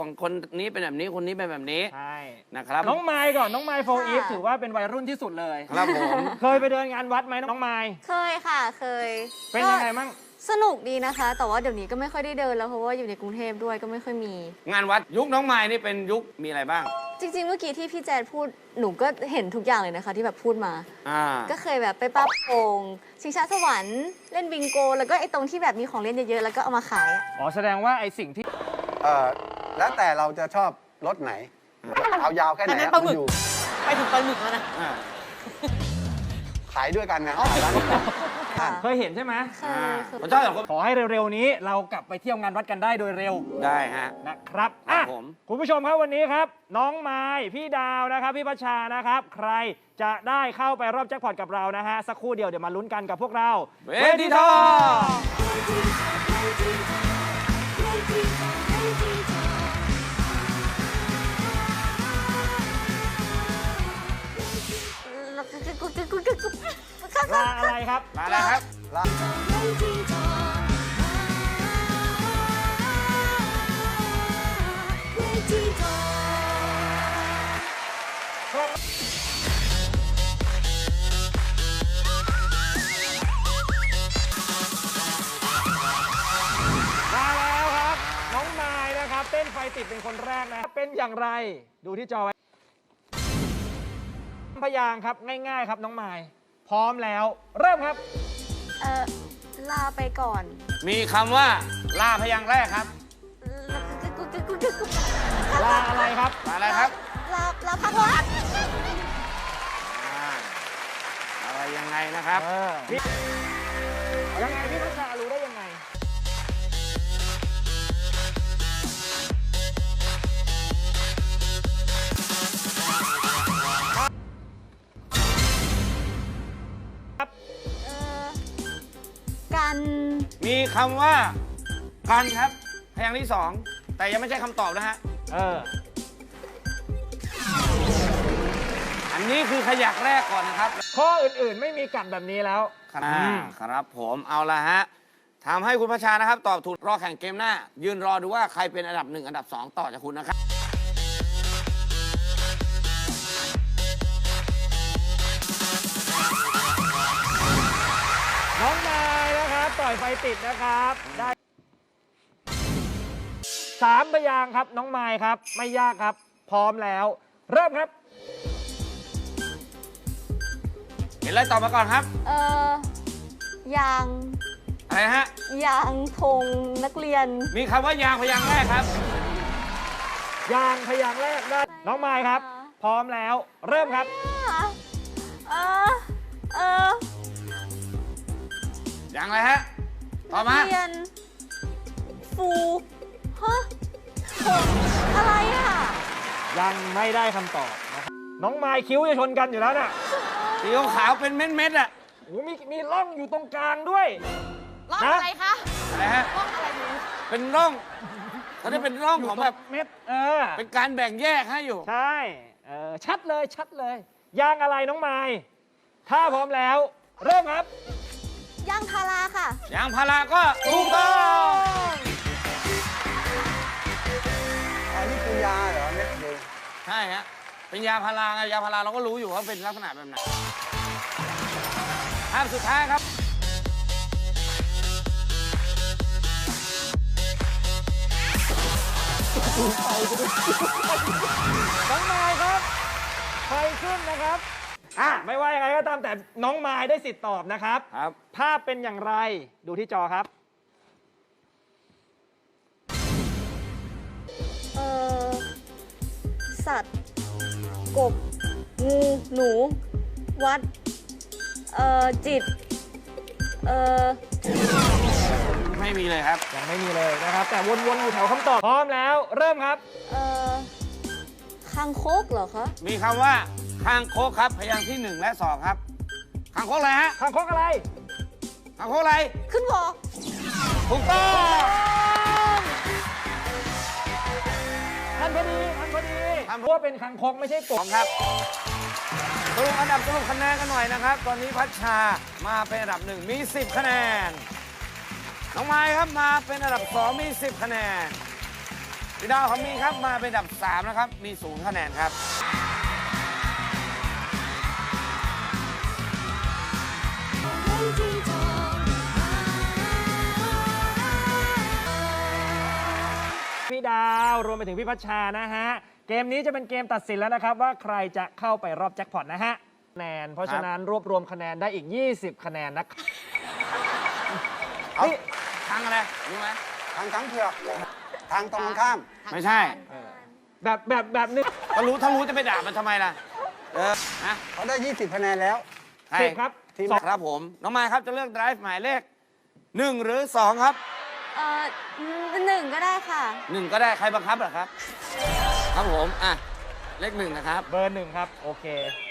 คนนี้เป็นแบบนี้คนนี้เป็นแบบนี้ใช่นะครับน้องไมค์ก่อนน้องไมค์โฟอีฟถือว่าเป็นวัยรุ่นที่สุดเลยครับผมเคยไปเดินงานวัดไหมน้องไมค์เคยค่ะเคยเป็นยังไงมั่งสนุกดีนะคะ แต่ว่าเดี๋ยวนี้ก็ไม่ค่อยได้เดินแล้วเพราะว่าอยู่ในกรุงเทพด้วยก็ไม่ค่อยมีงานวัดยุคน้องไม้นี่เป็นยุคมีอะไรบ้างจริงๆ เมื่อกี้ที่พี่แจนพูดหนูก็เห็นทุกอย่างเลยนะคะ ที่แบบพูดมา ก็เคยแบบไปปั๊บโป่งชิงช้าสวรรค์เล่นบิงโก แล้วก็ไอ้ตรงที่แบบมีของเล่นเยอะๆแล้วก็เอามาขายอะอ๋อแสดงว่าไอสิ่งที่แล้วแต่เราจะชอบรถไหน เอายาวแค่ไหนอันนั้นปลาหมึกอยู่ไปถึงปลาหมึกแล้วนะขายด้วยกันนะขายร้านเดียวกันค่ะเคยเห็นใช่ไหมเคยผมชอบแบบขอให้เร็วๆนี้เรากลับไปเที่ยวงานวัดกันได้โดยเร็วได้ฮะนะครับครับอ่ะผมคุณผู้ชมครับวันนี้ครับ น้องไม้พี่ดาวนะครับพี่พัชชานะครับ ใครจะได้เข้าไปรอบแจ็คพอตกับเรานะฮะสักครู่เดียวเดี๋ยวมาลุ้นกันกับพวกเราเวทีทองลาอะไรครับมาแล้วครับมาแล้วครับ น้องนายนะครับเต้นไฟติดเป็นคนแรกนะเป็นอย่างไรดูที่จอไว้พยางค์ครับง่ายๆครับน้องไม้พร้อมแล้วเริ่มครับลาไปก่อนมีคำว่าลาพยางค์แรกครับลาอะไรครับมาแล้วครับลาพักวัดอะไรยังไงนะครับยังไงพี่พัชชารู้ได้ยังไงครับกันมีคำว่ากันครับ พยางค์ที่สองแต่ยังไม่ใช่คำตอบนะฮะ อันนี้คือขยักแรกก่อนนะครับข้ออื่นๆไม่มีกัดแบบนี้แล้วครับผมเอาละฮะทำให้คุณพัชชานะครับ ตอบถูกรอแข่งเกมหน้า ยืนรอดูว่าใครเป็นอันดับ 1 อันดับ 2 ต่อจากคุณนะครับน้องนายนะครับต่อยไฟติดนะครับได้3พยางค์ครับน้องไมค์ครับไม่ยากครับ พร้อมแล้ว เริ่มครับเห็นอะไรตอบมาก่อนครับยางอะไรนะฮะยางธงนักเรียนมีคำว่ายางพยางค์แรกครับยางพยางค์แรกได้น้องไมค์ครับ พร้อมแล้ว เริ่มครับยางอะไรฮะตอบมานักเรียน ฟูฮะผมอะไรอ่ะยังไม่ได้คำตอบนะครับน้องไมค์คิ้วจะชนกันอยู่แล้วน่ะสีขาวๆเป็นเม็ดๆอ่ะโอ้มีร่องอยู่ตรงกลางด้วยร่องนะอะไรคะอะไรฮะร่องอะไรหนูเป็นร่องเขาได้เป็นร่องของแบบเม็ดเป็นการแบ่งแยกให้อยู่ใช่ชัดเลยชัดเลย ยางอะไรน้องไม้ถ้าพร้อมแล้ว เริ่มครับยางพาราค่ะยางพาราก็ถูกต้องอันนี้คือยาเหรอเม็ดเดียวใช่ฮะเป็นยาพาราไงยาพาราเราก็รู้อยู่ว่าเป็นลักษณะแบบไหนภาพสุดท้ายครับน้องไม้ครับไฟขึ้นนะครับไม่ว่ายังไงก็ตามแต่น้องไม้ได้สิทธิ์ตอบนะครับครับภาพเป็นอย่างไรดูที่จอครับสัตว์ กบ งู หนู วัด จิตไม่มีเลยครับยังไม่มีเลยนะครับ แต่วนๆอยู่แถวคำตอบพร้อมแล้ว เริ่มครับคางคกเหรอคะมีคำว่าคางคกครับพยางค์ที่ 1 และ 2 ครับคางคกอะไรฮะคางคกอะไรคางคกอะไรขึ้นวอถูกต้องทันพอดีทันพอดีเพราะว่าเป็นคางคกไม่ใช่กสบองครับสรุปอันดับสรุปคะแนนกันหน่อยนะครับ ตอนนี้พัชชามาเป็นอันดับ 1 มี 10 คะแนน น้องไม้ครับมาเป็นอันดับ 2 มี 10 คะแนนพี่ดาวเขามีครับมาเป็นอันดับ 3 นะครับ มี0คะแนนครับพี่ดาวรวมไปถึงพี่พัชชานะฮะ เกมนี้จะเป็นเกมตัดสินแล้วนะครับ ว่าใครจะเข้าไปรอบแจ็คพอตนะฮะคะแนนเพราะฉะนั้นรวบรวมคะแนนได้อีก 20 คะแนนนะครับเอาทางอะไรรู้ไหมทางเผือกทางตรงกันข้ามไม่ใช่แบบนึงถ้ารู้จะไปด่ามันทำไมล่ะ นะเขาได้ 20 คะแนนแล้วใช่สิบครับทีมครับผม น้องมายครับจะเลือก drive หมายเลข 1 หรือ 2 ครับ 1 ก็ได้ค่ะ 1 ก็ได้ใครบังคับเหรอครับ ครับผม เลข 1 นะครับเบอร์ 1 ครับ โอเค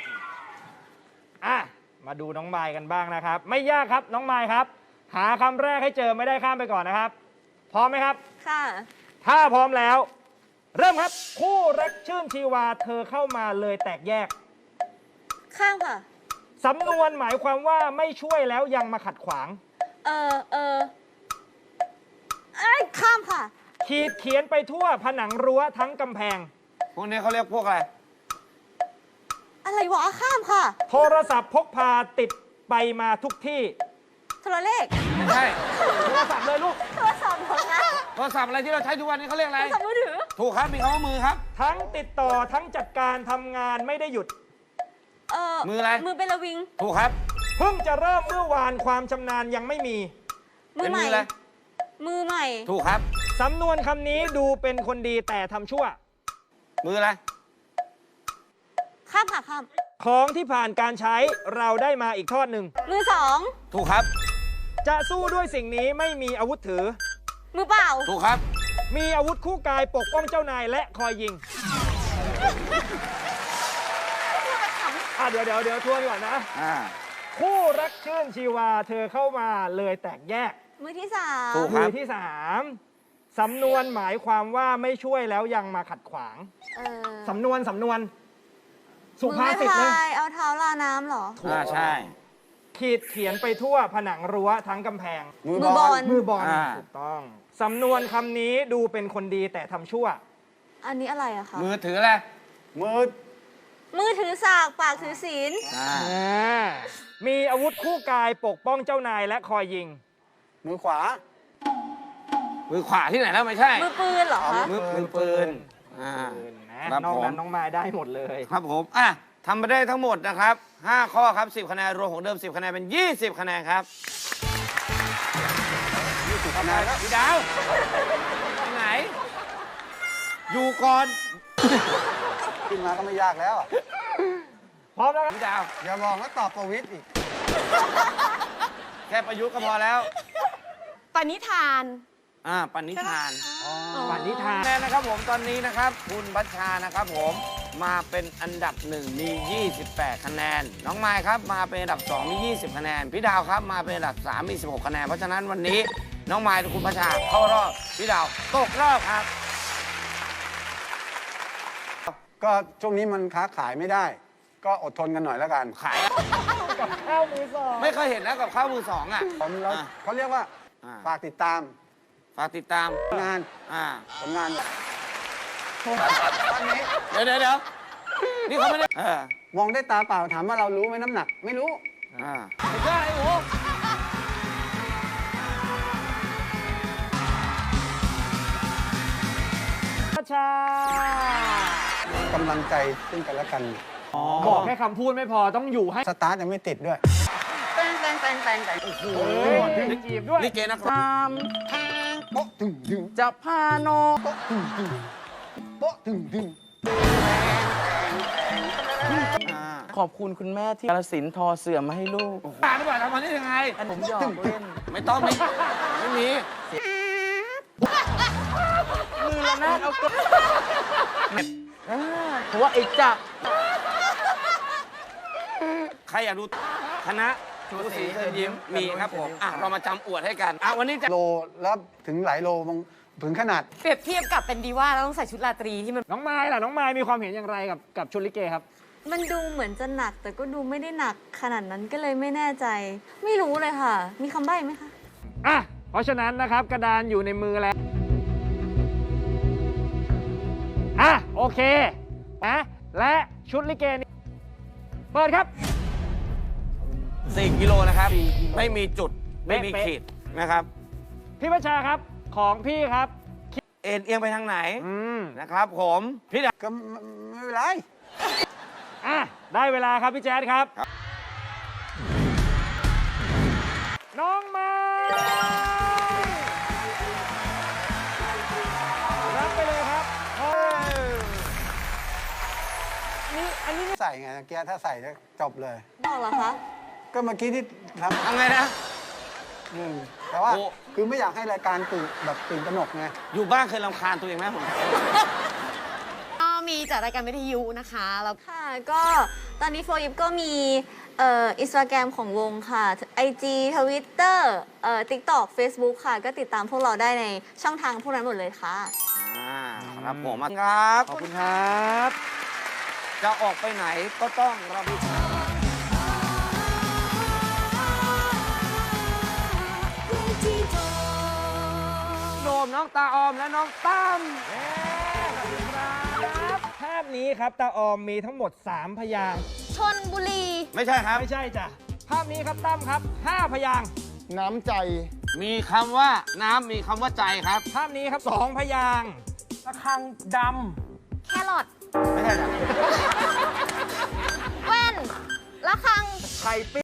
มาดูน้องไมค์กันบ้างนะครับ ไม่ยากครับน้องไมค์ครับ หาคำแรกให้เจอไม่ได้ข้ามไปก่อนนะครับ พร้อมไหมครับค่ะถ้าพร้อมแล้ว เริ่มครับ คู่รักชื่นชีวาเธอเข้ามาเลยแตกแยกข้ามค่ะสำนวนหมายความว่าไม่ช่วยแล้วยังมาขัดขวางข้ามค่ะขีดเขียนไปทั่วผนังรั้วทั้งกำแพงพวกนี้เขาเรียกพวกอะไรอะไรวะ ข้ามค่ะโทรศัพท์พกพาติดไปมาทุกที่โทรเลขไม่ใช่โทรศัพท์เลยลูกโทรศัพท์ของนะโทรศัพท์อะไรที่เราใช้ทุกวันนี้เขาเรียกโทอะไรรศัพท์มือถือถูกครับ มีคำว่ามือครับทั้งติดต่อทั้งจัดการทำงานไม่ได้หยุดมืออะไรมือเป็นระวิงถูกครับเพิ่งจะเริ่มเมื่อวานความชำนาญยังไม่มีมือเป็นใหม่มืออะไรมือใหม่ถูกครับสำนวนคำนี้ดูเป็นคนดีแต่ทำชั่วมืออะไรข้ามค่ะ ข้ามของที่ผ่านการใช้เราได้มาอีกทอดหนึ่งมือถูกครับจะสู้ด้วยสิ่งนี้ไม่มีอาวุธถือ 2 มือเปล่าถูกครับมีอาวุธคู่กายปกป้องเจ้านายและคอยยิง เดี๋ยวทวนก่อนนะ คู่รักชื่นชีวาเธอเข้ามาเลยแตกแยกมือที่ถูก 3 คมืรับอที่สามสำนวนหมายความว่าไม่ช่วยแล้วยังมาขัดขวาง สำนวนสุมือภาไม่ษิตเลยพายเอาเท้าลาน้ำเหรอใช่ขีดเขียนไปทั่วผนังรั้วทั้งกำแพงมือมือบอลมือบอลอ่าถูกต้อง สำนวนคำนี้ดูเป็นคนดีแต่ทำชั่วอันนี้อะไรอะคะมือถืออะไรมือมือถือสาก ปากถือศีลมีอาวุธคู่กายปกป้องเจ้านายและคอยยิงมือขวามือขวาที่ไหนแล้วไม่ใช่มือปืนเหรอคะมือปืนครับนอกผมนั้นน้องมายได้หมดเลยครับผมทำไปได้ทั้งหมดนะครับ 5 ข้อครับ 10 คะแนน รวมของเดิม 10 คะแนน เป็น 20 คะแนนครับ 20 คะแนนแล้วพี่ดาวไปไหน อยู่ก่อนขึ้นมาก็ไม่ยากแล้วอะพร้อมแล้วครับพี่ดาวอย่าบอกว่าตอบประวิตรอีกแค่ประยุกต์ก็พอแล้วปณิธานปณิธานปณิธานคะแนนนะครับผมตอนนี้นะครับ คุณบัชชานะครับผมมาเป็นอันดับ 1 มี 28 คะแนน น้องไมค์ครับมาเป็นอันดับ 2 มี 20 คะแนน พี่ดาวครับมาเป็นอันดับ 3 มี 16 คะแนน เพราะฉะนั้นวันนี้น้องไมค์กับคุณบัชชาเข้ารอบ พี่ดาวตกรอบครับก็ช่วงนี้มันค้าขายไม่ได้ ก็อดทนกันหน่อยแล้วกันขายกับข้าวมือสองไม่เคยเห็นนะกับข้าวมือสองเราเขาเรียกว่า ฝากติดตามฝากติดตามงาน ผลงานตอนนี้เดี๋ยวนี่เขาไม่ได้มองได้ตาเปล่าถามว่าเรารู้ไหมน้ำหนัก ไม่รู้ไม่ใช่โอ้โหพัชชากำลังใจซึ่งกันและกันบอกแค่คำพูดไม่พอต้องอยู่ให้สตาร์ทยังไม่ติดด้วยแตงโอ้ยจีบด้วยนี่เกนะครับตามโป๊ะตึงดึงจะพาโนโป๊ะตึงดึงโป๊ะตึงดึงขอบคุณคุณแม่ที่กาฬสินธุ์ทอเสื่อมมาให้ลูกตาดีกว่าทำมันได้ยังไงผมหยอกเล่นไม่ต้องไม่มีมือละนาดเอาตัวเพราะว่าไอ้จักรใครอยากดูคณะชูศรีเชิญยิ้มมีครับผมเรามาจำอวดให้กันวันนี้จะโลแล้วถึงหลายโลบางถึงขนาดเปรียบเทียบกับเป็นดีว่าแล้วต้องใส่ชุดราตรีที่มันน้องไม้ล่ะน้องไม้มีความเห็นอย่างไรกับชุดลิเกครับมันดูเหมือนจะหนัก แต่ก็ดูไม่ได้หนักขนาดนั้นก็เลยไม่แน่ใจ ไม่รู้เลยค่ะ มีคำใบ้ไหมคะเพราะฉะนั้นนะครับกระดานอยู่ในมือแล้วเคนะและชุดลิเกนี้เปิดครับ 4 กิโลนะครับ 4 กิโลไม่มีจุด ไม่มีเป๊ะขีดนะครับพี่พัชชาครับของพี่ครับเอ็นเอียงไปทางไหนอืมนะครับผมพี่ดาวก็ไม่เป็นไรอ่ะได้เวลาครับพี่แจ๊ดครับ น้องไม้รับไปเลยครับนี่อันนี้ใส่ไงเมื่อกี้ถ้าใส่แล้วจบเลยบอกเหรอคะก็เมื่อกี้ที่ททำไงนะำแต่ว่าโอ้คือไม่อยากให้รายการตื่นตระหนกไงอยู่บ้านเคยรำคาญตัวเองไหมผมก็มีจัดรายการวิทยุนะคะแล้วค่ะ ก็ตอนนี้โฟยิปก็มีอินสตาแกรมของวงค่ะ IG Twitter TikTok Facebook ค่ะ ก็ติดตามพวกเราได้ในช่องทางพวกนั้นหมดเลยค่ะครับผมครับขอบคุณครับจะออกไปไหนก็ต้องระมัดโดมน้องตาออมและน้องตั้มภาพนี้ครับตาออมมีทั้งหมด 3 พยางค์ชนบุรีไม่ใช่ครับไม่ใช่จ้ะ ภาพนี้ครับตั้มครับ 5 พยางค์น้ำใจมีคำว่าน้ำมีคำว่าใจครับภาพนี้ครับ 2 พยางค์ระฆังดแครอทไม่ใช่ครับแว่น ละคังำไข่ปิ้ง